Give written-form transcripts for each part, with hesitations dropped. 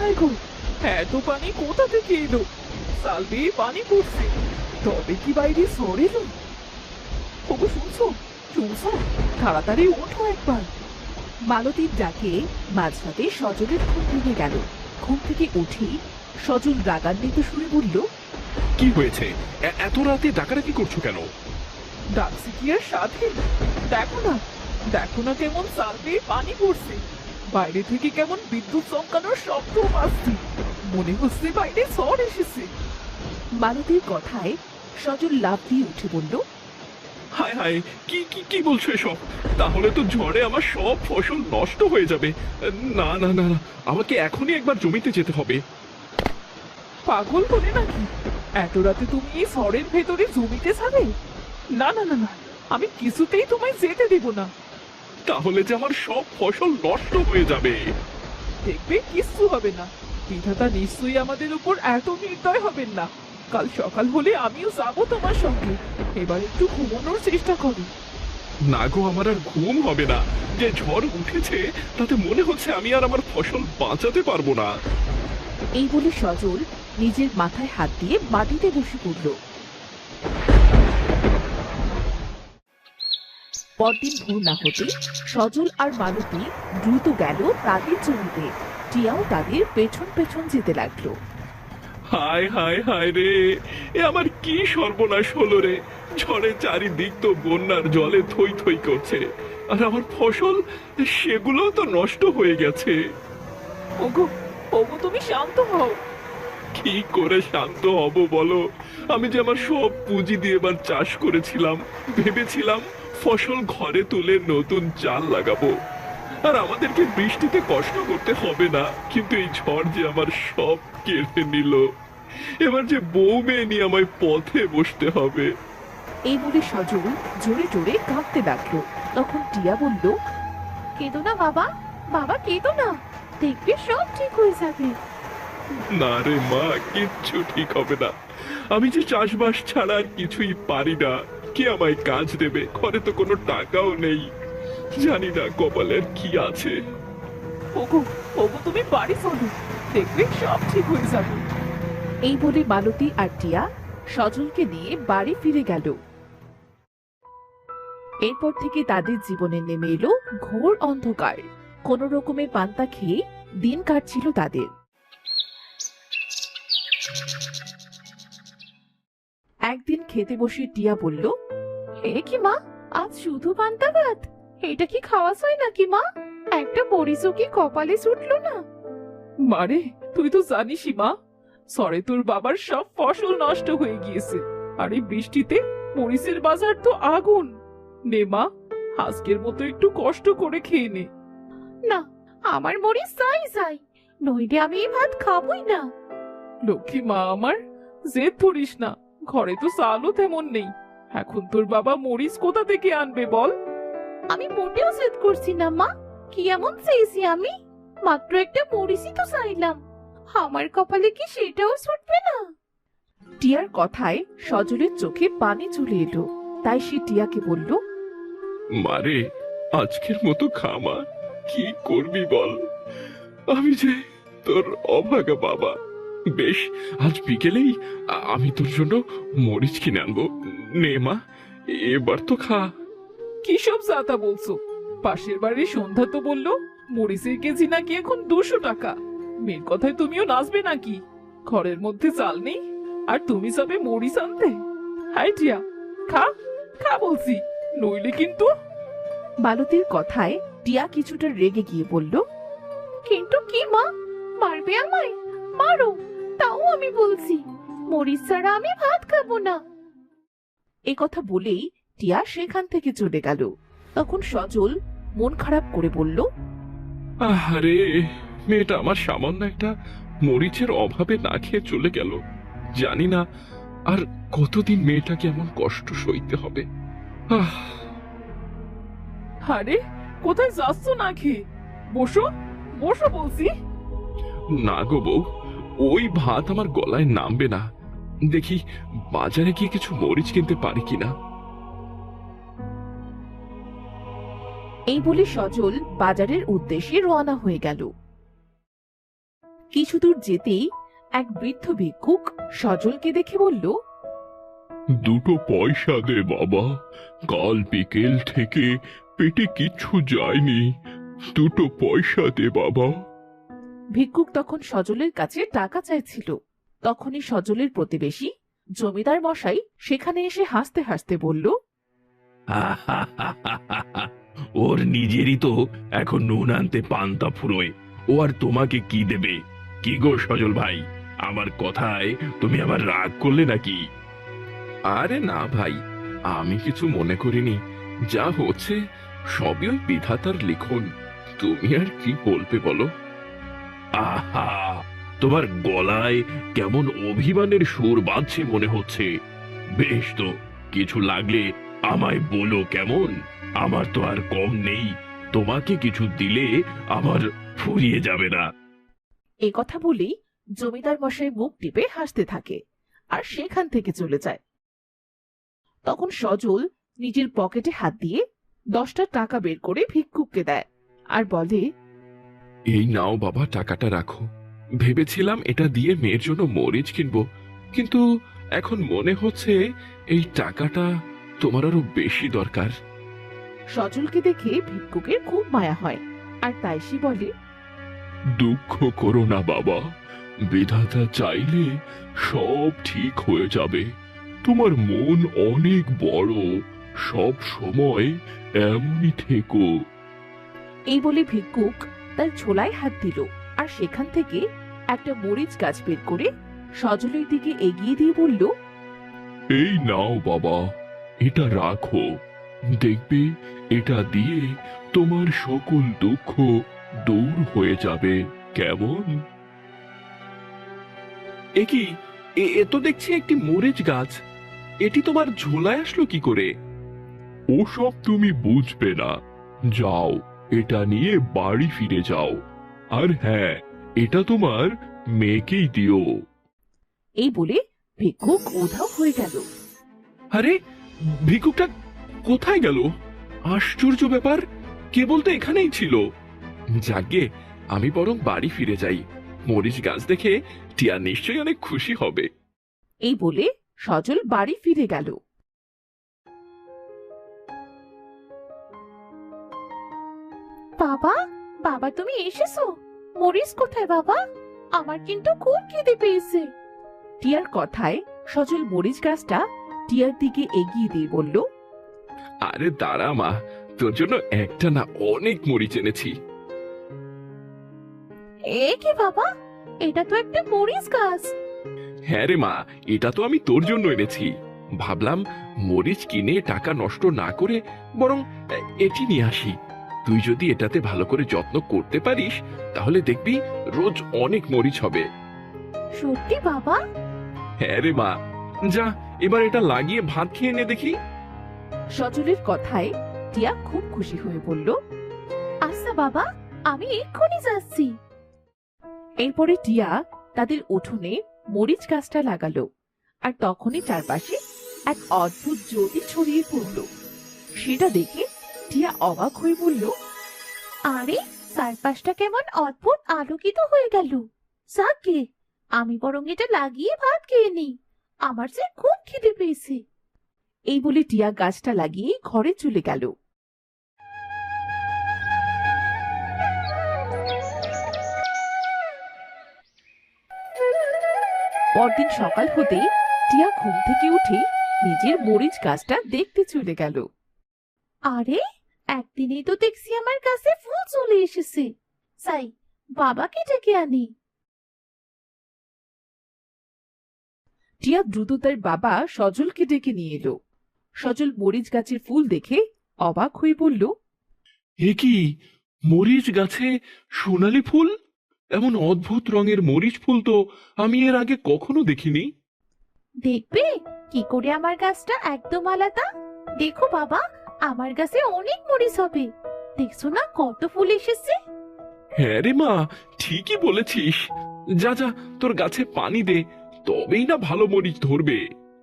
হায় গো, এত পানি কোথা থেকে এলো? চাল বেয়ে পানি পড়ছে, তবে কি বাইরে ঝড় এলো? ওগো শুনছো, শুনছো? তাড়াতাড়ি ওঠো একবার। মালতীর ডাকে মাঝরাতে সজলের ঘুম ভেঙে গেল। ঘুম থেকে উঠেই সজল রাগান্বিত সুরে বলল, কি হয়েছে? এত রাতে ডাকাডাকি করছো কেন? ডাকছি কি আর সাথে? দেখো না, দেখো না কেমন চাল বেয়ে পানি পড়ছে, বাইরে থেকে কেমন বিদ্যুৎ চমকানোর শব্দ আসছে, মনে হচ্ছে বাইরে ঝড় এসেছে। মালতীর কথায় সজল লাফ দিয়ে উঠে বলল, হায় হায়, কি কি কি বলছো এসব? তাহলে তো ঝড়ে আমার সব ফসল নষ্ট হয়ে যাবে। না না না না, আমাকে এখনই একবার জমিতে যেতে হবে। পাগল বলে নাকি? এত রাতে তুমি এই ঝড়ের ভেতরে জমিতে যাবে? না না না না, আমি কিছুতেই তোমায় যেতে দেব না। তাহলে যে আমার সব ফসল নষ্ট হয়ে যাবে। দেখবে কিচ্ছু হবে না, বিধাতা নিশ্চয়ই আমাদের উপর এত নির্দয় হবেন না। কাল সকাল হলে আমিও যাবো তোমার সঙ্গে। এবার একটু ঘুমানোর চেষ্টা করো। না গো, আমার আর ঘুম হবে না। যে ঝড় উঠেছে তাতে মনে হচ্ছে আমি আর আমার ফসল বাঁচাতে পারবো না। এই বলে সজল নিজের মাথায় হাত দিয়ে মাটিতে বসে পড়ল। পরদিন ভোর না হতে সজল আর মালতী দ্রুত গেল তাদের জমিতে। টিয়াও তাদের পেছন পেছন যেতে লাগলো। হায় হায় হায় রে, এ আমার কি সর্বনাশ হলো রে! ঝড়ে চারিদিক তো বন্যার জলে থই থই করছে, আর আমার ফসল সেগুলো তো নষ্ট হয়ে গেছে। ওগো, ওগো তুমি শান্ত হও। কি করে শান্ত হব বলো? আমি যে আমার সব পুঁজি দিয়ে এবার চাষ করেছিলাম, ভেবেছিলাম ফসল ঘরে তুলে নতুন চাল লাগাবো, আর আমাদেরকে বৃষ্টিতে কষ্ট করতে হবে না। কিন্তু এই ঝড় যে আমার সব কেড়ে নিল। এবার যে বউ মেয়ে নিয়ে আমায় পথে বসতে হবে। এই বলে সজল জোরে জোরে কাঁদতে লাগলো। তখন টিয়া বলল, কেঁদো না বাবা, বাবা কেঁদো না, দেখবে সব ঠিক হয়ে যাবে। না রে মা, কিচ্ছু ঠিক হবে না। আমি যে চাষবাস ছাড়া আর কিছুই পারি না। কে আমায় কাজ দেবে? ঘরে তো কোনো টাকাও নেই। জানি না কপালের কি আছে। ওগো, ওগো তুমি বাড়ি চলো, দেখবে সব ঠিক হয়ে যাবে। এই বলে মালতী আর টিয়া সজলকে নিয়ে বাড়ি ফিরে গেল। এরপর থেকে তাদের জীবনে নেমে এলো ঘোর অন্ধকার। কোন রকমে পান্তা খেয়ে দিন কাটছিল তাদের। একদিন খেতে বসে টিয়া বলল, এ কি মা, আজ শুধু পান্তা ভাত? এটা কি খাওয়া হয় নাকি মা? একটা বড়িচও কি কপালে ছুটলো না? মারে, তুই তো জানিসই মা, সরে তোর বাবার সব ফসল নষ্ট হয়ে গিয়েছে, আর এই বৃষ্টিতে মরিচের বাজার তো আগুন। নে মা, আজকের মতো একটু কষ্ট করে খেয়ে নে। না, আমার মরিচ চাই চাই, নইলে আমি এই ভাত খাবই না। লক্ষ্মী মা আমার, জেদ ধরিস না, ঘরে তো চালও তেমন নেই। এখন তোর বাবা মরিচ কোথা থেকে আনবে বল? আমি মোটেও জেদ করছি না মা, কি এমন চেয়েছি আমি? মাত্র একটা মরিচই তো চাইলাম, আমার কপালে কি সেটাও ছুটবে না? টিয়ার কথায় সজলের চোখে পানি চলে এলো। তাই সে টিয়াকে বলল, মারে, আজকের মতো খামা, কি করবি বল? আমি যে তোর অভাগা বাবা। বেশ, আজ বিকেলেই আমি তোর জন্য মরিচ কিনে আনবো। নে মা, এবার তো খা। কি সব জাতা বলছো? পাশের বাড়ির সন্ধ্যা তো বললো মরিচের কেজি নাকি এখন 200 টাকা। মেয়ের কথায় তুমিও নাচবে নাকি? ঘরের মধ্যে চাল নেই আর তুমি যাবে মরিচ আনতে? হাই টিয়া, খা, খা বলছি, নইলে কিন্তু। মালতীর কথায় টিয়া কিছুটা রেগে গিয়ে বলল, কিন্তু কি মা, মারবে আমায়? মারো, তাও আমি বলছি মরিচ ছাড়া আমি ভাত খাবো না। এ কথা বলেই টিয়া সেখান থেকে চলে গেল। তখন সজল মন খারাপ করে বলল, আরে, মেয়েটা আমার সামান্য একটা মরিচের অভাবে না খেয়ে চলে গেল। জানি না আর কতদিন মেয়েটাকে এমন কষ্ট সইতে হবে। আহ, আরে, কোথায় যাচ্ছ না খেয়ে? বসো, বসো বলছি। না গো বউ, ওই ভাত আমার গলায় নামবে না। দেখি বাজারে গিয়ে কিছু মরিচ কিনতে পারি কিনা। এই বলে সজল বাজারের উদ্দেশ্যে রওনা হয়ে গেল। কিছু দূর যেতেই এক বৃদ্ধ ভিক্ষুক সজলকে দেখে বলল, দুটো পয়সা দে বাবা, কাল বিকেল থেকে পেটে কিচ্ছু যায়নি, দুটো পয়সা দে বাবা। ভিক্ষুক তখন সজলের কাছে টাকা চাইছিল। তখনই সজলের প্রতিবেশী জমিদার মশাই সেখানে এসে হাসতে হাসতে বলল, ওর নিজেরই তো এখন নুন আনতে পান্তা ফুরোয়, ও আর তোমাকে কি দেবে? কি গো সজল ভাই, আমার কথায় তুমি আবার রাগ করলে নাকি? আরে না ভাই, আমি কিছু মনে করিনি, যা হচ্ছে সবই ওই বিধাতার লিখন, তুমি আর কি বলবে বলো? আহা, তোমার গলায় কেমন অভিমানের সুর বাজছে মনে হচ্ছে। বেশ তো, কিছু লাগলে আমায় বলো কেমন, আমার তো আর কম নেই, তোমাকে কিছু দিলে আমার ফুরিয়ে যাবে না। এ কথা বলেই জমিদার মশাই মুখ টিপে হাসতে থাকে আর সেখান থেকে চলে যায়। তখন সজল নিজের পকেটে হাত দিয়ে 10টা টাকা বের করে ভিক্ষুককে দেয় আর বলে, এই নাও বাবা, টাকাটা রাখো। ভেবেছিলাম এটা দিয়ে মেয়ের জন্য মরিচ কিনবো, কিন্তু এখন মনে হচ্ছে এই টাকাটা তোমার আরো বেশি দরকার। সজলকে দেখে ভিক্ষুকের খুব মায়া হয় আর তাই সে বলে, দুঃখ করো না বাবা, বিধাতা চাইলে সব ঠিক হয়ে যাবে। তোমার মন অনেক বড়, সব সময় এমনই থেকো। এই বলে ভিক্ষুক তার ছোলায় হাত দিল আর সেখান থেকে একটা মরিচ গাছ বের করে সজলের দিকে এগিয়ে দিয়ে বলল, এই নাও বাবা, এটা রাখো, দেখবে এটা দিয়ে তোমার সকল দুঃখ দূর হয়ে যাবে, কেমন? এ কি, এ তো দেখছি একটি মরিচ গাছ, এটি তোমার ঝোলায় আসলো কি করে? ওসব তুমি বুঝবে না, যাও এটা নিয়ে বাড়ি ফিরে যাও, আর হ্যাঁ, এটা তোমার মেয়েকেই দিও। এই বলে ভিক্ষুক উধাও হয়ে গেল। আরে, ভিক্ষুকটা কোথায় গেল? আশ্চর্য ব্যাপার, কেবল তো এখানেই ছিল। যাগে, আমি বরং বাড়ি ফিরে যাই, মরিচ গাছ দেখে টিয়া নিশ্চয়ই অনেক খুশি হবে। এই বলে সজল বাড়ি ফিরে গেল। বাবা, বাবা তুমি এসেছো? মরিস কোথায় বাবা? আমার কিন্তু খুব খিদে পেয়েছে। টিয়ার কথায় সজল মরিচ গাছটা টিয়ার দিকে এগিয়ে দিয়ে বলল, আরে দাঁড়া মা, তোর জন্য একটা না অনেক মরিচ এনেছি। এ কি বাবা, এটা তো একটা মরিচ গাছ। হ্যাঁ রে মা, এটা তো আমি তোর জন্য এনেছি। ভাবলাম মরিচ কিনে টাকা নষ্ট না করে বরং এটি নিয়ে আসি। তুই যদি এটাতে ভালো করে যত্ন করতে পারিস, তাহলে দেখবি রোজ অনেক মরিচ হবে। সত্যি বাবা? হ্যাঁ রে মা, যা এবার এটা লাগিয়ে ভাত খেয়ে নে দেখি। সজলের কথায় টিয়া খুব খুশি হয়ে বলল, আচ্ছা বাবা, আমি এক্ষুনি যাচ্ছি। এরপরে টিয়া তাদের উঠোনে মরিচ গাছটা লাগালো আর তখনই চারপাশে এক অদ্ভুত জ্যোতি ছড়িয়ে পড়ল। সেটা দেখে টিয়া অবাক হয়ে বলল, আরে চারপাশটা কেমন অদ্ভুত আলোকিত হয়ে গেল। যাকে, আমি বরং এটা লাগিয়ে ভাত খেয়ে নিই, আমার যে খুব খিদে পেয়েছে। এই বলে টিয়া গাছটা লাগিয়ে ঘরে চলে গেল। পরদিন সকাল হতে টিয়া ঘুম থেকে উঠে নিজের মরিচ গাছটা দেখতে চলে গেল। আরে, একদিনেই তো দেখছি আমার কাছে ফুল চলে এসেছে। যাই, বাবাকে ডেকে আনি। টিয়া দ্রুত তার বাবা সজলকে ডেকে নিয়ে এলো। সজল মরিচ গাছের ফুল দেখে অবাক হয়ে বলল, এ কি, মরিচ গাছে সোনালী ফুল? এমন অদ্ভুত রঙের মরিচ ফুল তো আমি এর আগে কখনো দেখিনি। দেখবে কি করে আমার গাছটা একদম আলাদা। দেখো বাবা, আমার গাছে অনেক মরিচ হবে। দেখছো না কত ফুল এসেছে? হ্যাঁ রে মা, ঠিকই বলেছিস। যা যা, তোর গাছে পানি দে, তবেই না ভালো মরিচ ধরবে।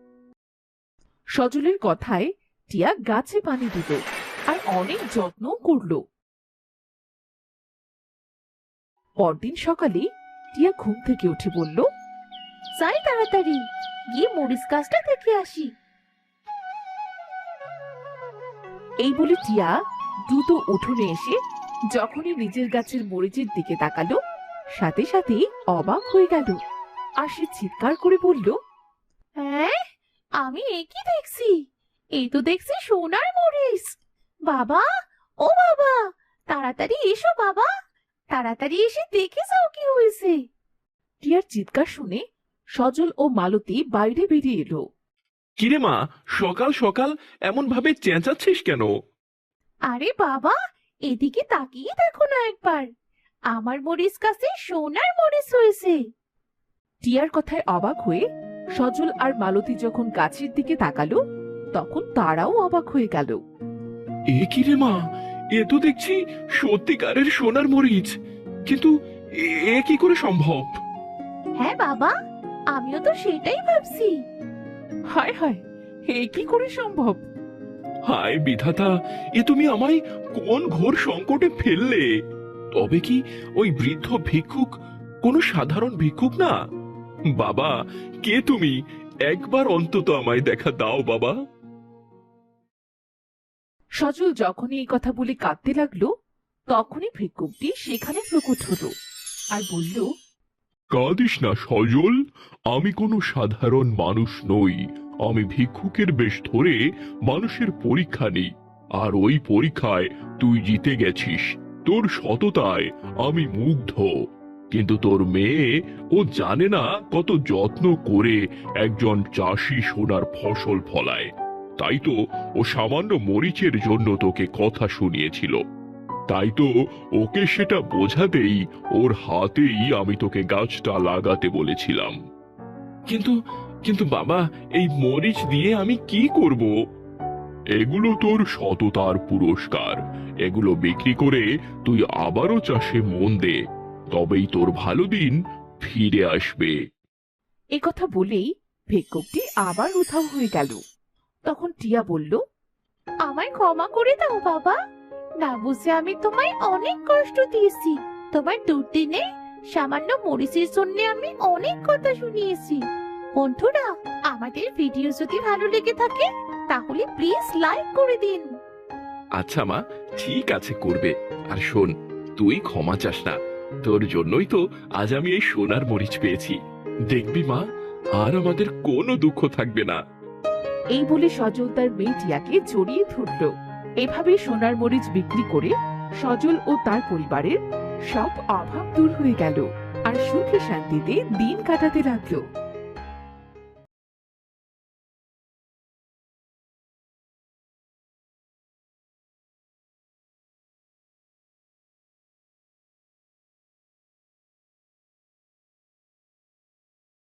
সজলের কথায় টিয়া গাছে পানি দিল আর অনেক যত্ন করলো। পরদিন সকালে টিয়া ঘুম থেকে উঠে বলল, যাই তাড়াতাড়ি গিয়ে মরিচ গাছটা দেখে আসি। এই বলে টিয়া দ্রুত উঠোনে এসে যখনই নিজের গাছের মরিচের দিকে তাকালো, সাথে সাথে অবাক হয়ে গেল। আর সে চিৎকার করে বলল, হ্যাঁ, আমি একই দেখছি, এই তো দেখছি সোনার মরিচ। বাবা, ও বাবা, তাড়াতাড়ি এসো বাবা, তাড়াতাড়ি এসে দেখে যাও কি হয়েছে। টিয়ার চিৎকার শুনে সজল ও মালতী বাইরে বেরিয়ে এলো। কিরে মা, সকাল সকাল এমন ভাবে চেঁচাচ্ছিস কেন? আরে বাবা, এদিকে তাকিয়ে দেখো না একবার, আমার মরিচ গাছে সোনার মরিচ হয়েছে। টিয়ার কথায় অবাক হয়ে সজল আর মালতী যখন গাছের দিকে তাকালো, তখন তারাও অবাক হয়ে গেল। এ কি রে মা, এ তো দেখছি সত্যিকারের সোনার মরিচ, কিন্তু এ কি করে সম্ভব? হ্যাঁ বাবা, আমিও তো সেটাই ভাবছি। হায় হায়, এ কি করে সম্ভব? হায় বিধাতা, এ তুমি আমায় কোন ঘোর সংকটে ফেললে? তবে কি ওই বৃদ্ধ ভিক্ষুক কোনো সাধারণ ভিক্ষুক না? বাবা, কে তুমি? একবার অন্তত আমায় দেখা দাও বাবা। সজল যখনই এই কথা বলে কাঁদতে লাগলো, তখনই ভিক্ষুকটি সেখানে প্রকট হলো আর বলল, কাঁদিস না সজল, আমি কোনো সাধারণ মানুষ নই। আমি ভিক্ষুকের বেশ ধরে মানুষের পরীক্ষা নিই, আর ওই পরীক্ষায় তুই জিতে গেছিস। তোর সততায় আমি মুগ্ধ। কিন্তু তোর মেয়ে, ও জানে না কত যত্ন করে একজন চাষি সোনার ফসল ফলায়। তাই তো ও সামান্য মরিচের জন্য তোকে কথা শুনিয়েছিল। তাই তো ওকে সেটা বোঝাতেই ওর হাতেই আমি তোকে গাছটা লাগাতে বলেছিলাম। কিন্তু কিন্তু বাবা, এই মরিচ দিয়ে আমি কি করব? এগুলো তোর সততার পুরস্কার। এগুলো বিক্রি করে তুই আবারও চাষে মন দে, তবেই তোর ভালো দিন ফিরে আসবে। এ কথা বলেই ভিক্ষুকটি আবার উধাও হয়ে গেল। তখন টিয়া বলল, আমায় ক্ষমা করে দাও বাবা, না বুঝে আমি তোমায় অনেক কষ্ট দিয়েছি। তোমার দুর্দিনে সামান্য মরিচের জন্য আমি অনেক কথা শুনিয়েছি। বন্ধুরা, আমাদের ভিডিও যদি ভালো লেগে থাকে তাহলে প্লিজ লাইক করে দিন। আচ্ছা মা, ঠিক আছে, করবে। আর শোন, তুই ক্ষমা চাস না, তোর জন্যই তো আজ আমি এই সোনার মরিচ পেয়েছি। দেখবি মা, আর আমাদের কোনো দুঃখ থাকবে না। এই বলে সজল তার মেয়ে টিয়াকে জড়িয়ে ধরল। এভাবে সোনার মরিচ বিক্রি করে সজল ও তার পরিবারের সব অভাব দূর হয়ে গেল আর সুখে শান্তিতে দিন কাটাতে লাগলো।